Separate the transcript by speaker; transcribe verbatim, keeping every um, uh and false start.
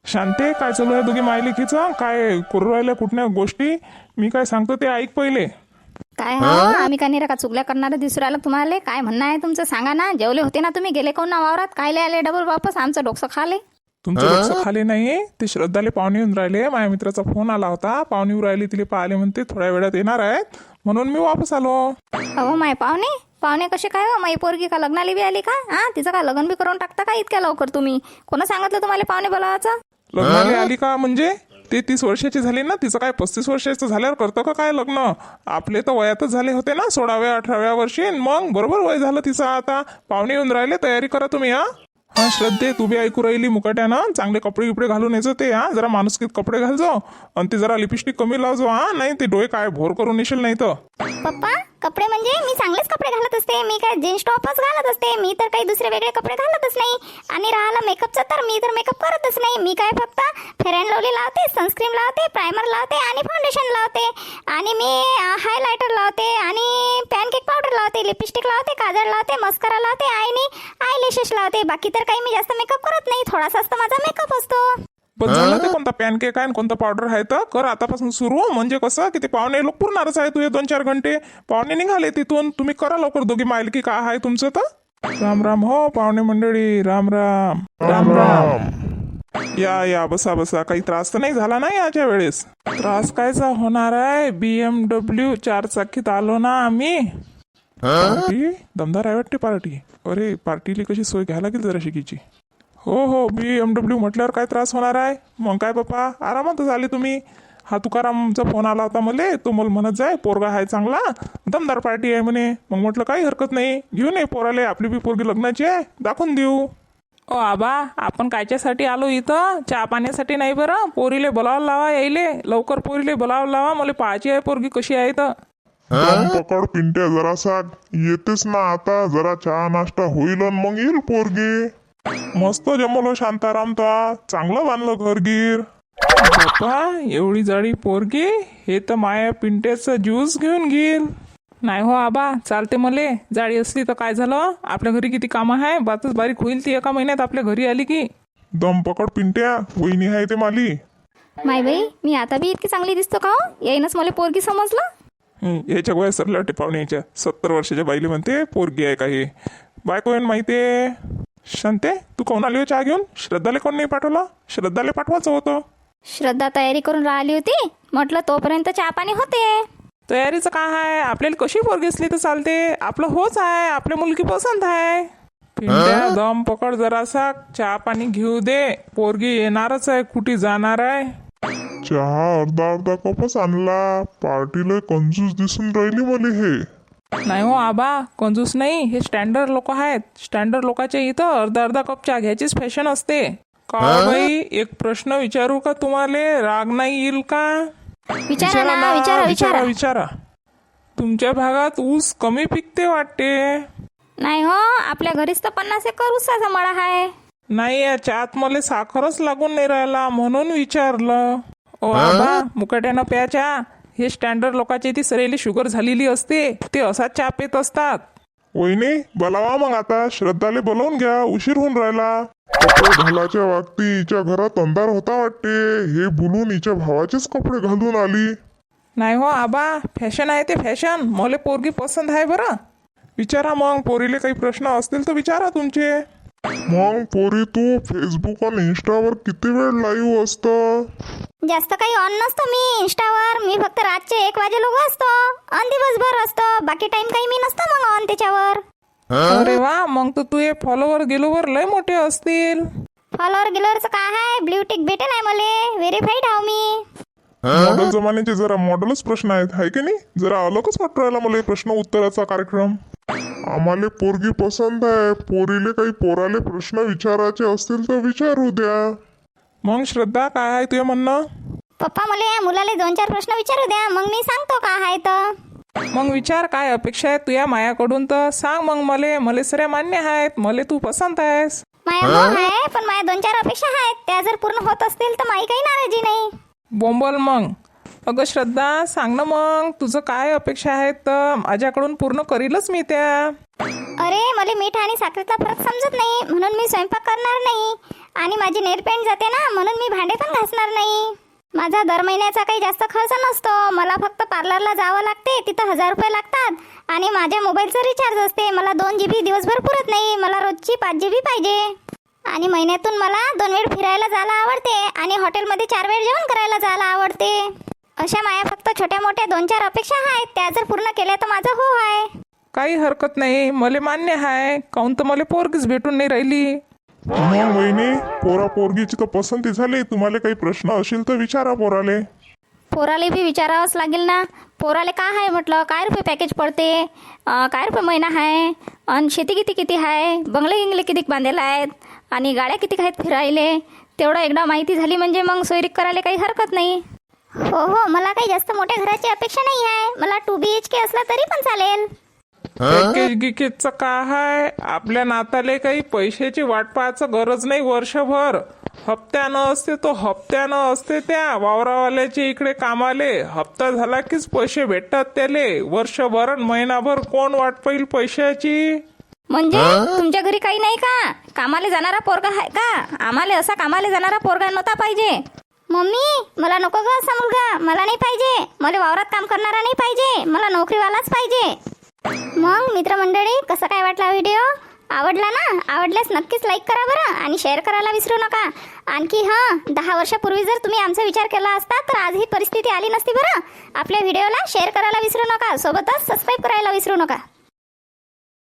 Speaker 1: शांते, काय चालू आहे दोघी मायलेकीचं? काय करू राहिल्या कुठल्या गोष्टी? मी काय सांगतो ते ऐक पहिले.
Speaker 2: काय हो, आम्ही का नाही का चुगल्या करणारे दिसू राहिलो तुम्हाला? काय म्हणणं आहे तुमचं सांगा ना. जेवले होते ना तुम्ही? गेले कोण ना वावरात? कायले आले डबल वापस? आमचं डोकं खाले.
Speaker 1: तुमचं लक्ष खाली नाही. ते श्रद्धाले पाहुणे येऊन राहिले. माझ्या मित्राचा फोन आला होता. पाहुणे येऊन राहिली, तिले पाहिले म्हणते थोड्या वेळात येणार आहेत, म्हणून मी वापस आलो.
Speaker 2: अहो माय पाहुणे पाहुणे कसे काय हो? माई पोरगी का लग्नाला बी आली का? हा, तिचं का लग्न बी करून टाकता का इतक्या लवकर तुम्ही? कोणा सांगितलं तुम्हाला पाहुणे बोलावायचं?
Speaker 1: लग्नाला आली का म्हणजे? ते तीस वर्षाची झाली ना, तिचं काय पस्तीस वर्षाचं झाल्यावर करतं का काय लग्न? आपले तर वयातच झाले होते ना, सोळाव्या अठराव्या वर्षी. मग बरोबर वय झालं तिचं. आता पाहुणे येऊन राहिले, तयारी करा तुम्ही. हा हा श्रद्धे, तू बी ऐकू राहिली मुकाट्यानं. चांगले कपडे गिपडे घालून यायचं ते. हा, जरा माणुसकीत कपडे घालजो आणि ते जरा लिपस्टिक कमी लावजो. हा, नाही ते डोळे काय भोर करून येशील नाही तर.
Speaker 3: पप्पा, कपडे म्हणजे मी चांगलेच कपडे घालत असते. मी काय जीन्स टॉपच घालत असते. मी तर काही दुसरे वेगळे कपडे घालतच नाही. आणि राहिला मेकअपचा, तर मी तर मेकअप करतच नाही. मी काय फक्त फेअर अँड लवली लावते, सनस्क्रीन लावते, प्रायमर लावते आणि फाउंडेशन लावते. आणि मी हायलायटर लावते आणि पॅनकेक पावडर लावते, लिपस्टिक लावते, काजळ लावते, मस्करा लावते आणि आयलॅशेस लावते. बाकी तर काही मी जास्त मेकअप करत नाही. थोडासाच तर माझा मेकअप असतो.
Speaker 1: पण झालं ते कोणता पॅनकेक आहे आणि कोणता पावडर आहे तर कर आतापासून सुरू. म्हणजे कसं की ते पाहुणे लोक पुरणारच आहे. तुझे दोन चार घंटे पाहुणे निघाले तिथून. तुम्ही करा लवकर दोघी माहिल की काय आहे तुमचं तर. राम राम हो पाहुणे मंडळी. राम राम राम राम. या या बसा बसा. काही त्रास तर नाही झाला ना याच्या वेळेस? त्रास कायचा होणार आहे? बीएमडब्ल्यू चार चाकीत आलो ना आम्ही. पार्टी दमदार आहे वाटते पार्टी. अरे पार्टीली कशी सोय घ्यायला लागेल जरा शिकीची. हो हो, बी एम डब्ल्यू म्हटल्यावर काय त्रास होणार आहे? मग काय पप्पा आरामातच आले तुम्ही. हा तुकारामचा फोन आला होता मला. तो मला म्हणत जाय पोरगा आहे चांगला, दमदार पार्टी आहे म्हणे. मग म्हटलं काही हरकत नाही, घेऊन ये पोराले. आपली बी पोरगी लग्नाची आहे, दाखवून देऊ. ओ आबा, आपण कायच्यासाठी आलो इथं? चहा पाण्यासाठी नाही बरं. पोरीले बोलावं लावा यायले लवकर. पोरीले बोलावं लावा. मला पाहायची आहे पोरगी कशी आहे तर.
Speaker 4: दम पकड पिंट्या जरासा. येतेस ना आता. जरा चहा नाश्ता होईल आणि मग येईल पोरगी.
Speaker 1: मस्त जमलो शांताराम. तो चांगलं बांधलं घरगीर. बाप्पा, एवढी जाडी पोरगी. हे तर माया पिंट्याचं ज्यूस घेऊन घेईल. नाही हो आबा, चालते मले. जाडी असली तर काय झालं? आपल्या घरी किती कामं आहे. बातच बारीक होईल ती एका महिन्यात आपल्या घरी आली की.
Speaker 4: दम पकड पिंट्या. वहिनी आहे ते माली.
Speaker 2: माय बाई, मी आता बी इतकी चांगली दिसतो का हो? येईनच मला पोरगी समजलं.
Speaker 1: हं, याच्या गोळ्या सरल्या वाटते पाहुणे. याच्या सत्तर वर्षाच्या बाईले म्हणते पोरगी आहे काही. बायको येऊन माहितीये. शांते, तू कोण आली हो चहा घेऊन? श्रद्धाले कोण नाही पाठवला? श्रद्धाले पाठवायचं होतं.
Speaker 2: श्रद्धा तयारी करून राहिली होती. म्हटलं तोपर्यंत चहा पाणी होते.
Speaker 1: तयारीचं काय आहे? आपल्याला कशी पोरगी असली तर चालते. आपलं होच आहे. आपल्या मुलगी पसंत आहे. पिंट्या दम पकड जरासा. चहा पाणी घेऊ दे. पोरगी येणारच आहे, कुठे जाणार आहे?
Speaker 4: चहा अर्धा अर्धा कपच आणला. पार्टीला कंजूस दिसून राहिली मला हे.
Speaker 1: नाही हो आबा, कंजूस नाही. हे स्टँडर्ड लोक आहेत. स्टँडर्ड लोकांच्या इथं अर्धा अर्धा कप चहा घ्यायचीच फॅशन असते. का बाई, एक प्रश्न विचारू का तुम्हाला? राग नाही येईल का?
Speaker 2: विचारा ना, विचारा
Speaker 1: विचारा
Speaker 2: विचारा.
Speaker 1: विचारा. तुमच्या भागात ऊस कमी पिकते वाटते.
Speaker 2: नाही हो, आपल्या घरीच तर पन्नास एकर ऊसाचा मळा आहे.
Speaker 1: नाही, या चहात मला साखरच लागून नाही राहिला म्हणून विचारलं. ओ आबा, मुकाट्यानं प्या चहा. हे स्टँडर्ड लोकांची ती सरेली शुगर झालेली असते. ते असाच चहा पेत असतात.
Speaker 4: वहिनी बोलावा मग आता. श्रद्धाले बोलावून घ्या, उशीर होऊन राहिला. कपडे घालायच्या वागती हिच्या घरात अंधार होता वाटते. हे बोलून हिच्या भावाचेच कपडे घालून आली.
Speaker 1: नाही हो आबा, फॅशन आहे ते फॅशन. मला पोरगी पसंत आहे बरं. विचारा मग, पोरीले काही प्रश्न असतील तर विचारा तुमचे.
Speaker 4: मग पोरी, तू फेसबुक आणि इंस्टावर किती वेळ लाईव्ह असतं?
Speaker 3: जास्त काही ऑन नसतो मी इंस्टावर. मी फक्त रातचे एक वाजे लोक असतो आणि दिवसभर असतो. बाकी टाइम काही मी नसतो मग ऑन त्याच्यावर.
Speaker 1: अरे वा, मग तर तुझे फॉलोवर गेलोवर लय मोठे असतील.
Speaker 3: फॉलोअर गिलोअरचं काय आहे? ब्ल्यू टिक भेटेल आहे मला. व्हेरीफाईड आहो मी.
Speaker 4: मॉडेल जमान्याचे जरा मॉडेलच प्रश्न आहेत, हाय की नाही? जरा अलगच वाटू राहिला मला प्रश्न उत्तराचा कार्यक्रम. आम्हाला पोरगी पसंत आहे. पोरीले काही पोराले प्रश्न विचारायचे असतील तर विचारू द्या.
Speaker 1: मग श्रद्धा, काय आहे तुझं म्हणणं?
Speaker 3: पप्पा, मला या मुलाला दोन चार प्रश्न विचारू द्या, मग मी सांगतो काय आहे तर.
Speaker 1: मग विचार, काय अपेक्षा आहे तुझ्या मायाकडून तर सांग. मग मले मले सऱ्या मान्य आहेत. मले तू पसंत आहेस.
Speaker 3: माया हो आहे, पण माझ्या दोन चार अपेक्षा आहेत. त्या जर पूर्ण होत असतील तर माझी काही नाराजी नाही.
Speaker 1: बोंबल मग. अगं श्रद्धा, सांग ना मग तुझं काय अपेक्षा आहेत तर माझ्याकडून पूर्ण करीलच मी त्या.
Speaker 3: अरे, मला मीठ आणि साखरेचा फरक समजत नाही म्हणून मी स्वयंपाक करणार नाही. आणि माझी नेल पेंट जाते ना, म्हणून मी भांडे होणार नाही. माझा दर महिन्याचा काही जास्त खर्च नसतो. मला फक्त पार्लरला जावं लागते, तिथं हजार रुपये लागतात आणि माझ्या मोबाईलचं रिचार्ज असते. मला दोन जी बी दिवसभर पुरत नाही, मला रोजची पाच जी बी पाहिजे. आणि महिन्यातून मला दोन वेळ फिरायला जायला आवडते आणि हॉटेलमध्ये चार वेळ जेवण करायला जायला आवडते. अशा माया फक्त छोट्या मोठ्या दोन चार अपेक्षा आहेत, त्या जर पूर्ण केल्या तर माझं हो आहे.
Speaker 1: काही हरकत नाही, मला मान्य आहे. काहून तर मला पोरगीच भेटून नाही राहिली.
Speaker 4: मग वहिनी, पोरा पोरगीची तर पसंती झाली. तुम्हाला काही प्रश्न असेल तर विचारा पोराले.
Speaker 2: पोराले बी विचारावंच लागेल ना. पोराले काय आहे म्हटलं, काय रुपये पॅकेज पडते, अं, काय रुपये महिना आहे, आणि शेती किती किती आहे, बंगले गिंगले किती बांधलेला आहेत, आणि गाड्या किती आहेत फिरायले, तेवढं एकदा माहिती झाली म्हणजे मग सोयरीक करायला काही हरकत नाही.
Speaker 3: हो हो, मला काही जास्त मोठ्या घराची अपेक्षा नाही आहे. मला टू बी एच के असला तरी पण चालेल.
Speaker 1: पॅकेज गिकेजचं काय आहे, आपल्या नाताले काही पैशाची वाट पाहायचं गरज नाही. वर्षभर हप्त्यानं असते, तो हप्त्यानं असते. त्या वावरावाल्याचे इकडे कामाले हप्ता झाला कीच पैसे भेटतात त्याले. वर्षभर अन महिनाभर कोण वाट पाहिल पैशाची.
Speaker 2: म्हणजे तुमच्या घरी काही नाही का, कामाला जाणारा पोरगा आहे का? आम्हाला असा कामाला जाणारा पोरगा नव्हता पाहिजे.
Speaker 3: मम्मी, मला नको ग असा मुलगा. मला नाही पाहिजे. मला वावरात काम करणारा नाही पाहिजे. मला नोकरीवालाच पाहिजे. मग मित्रमंडळी, कसा काय वाटला व्हिडिओ? आवडला ना? आवडल्यास नक्कीच लाईक करा बरं, आणि शेअर करायला विसरू नका. आणखी हां, दहा वर्षापूर्वी जर तुम्ही आमचा विचार केला असता तर आज ही परिस्थिती आली नसती बरं. आपल्या व्हिडिओला शेअर करायला विसरू नका, सोबतच सबस्क्राईब करायला विसरू नका.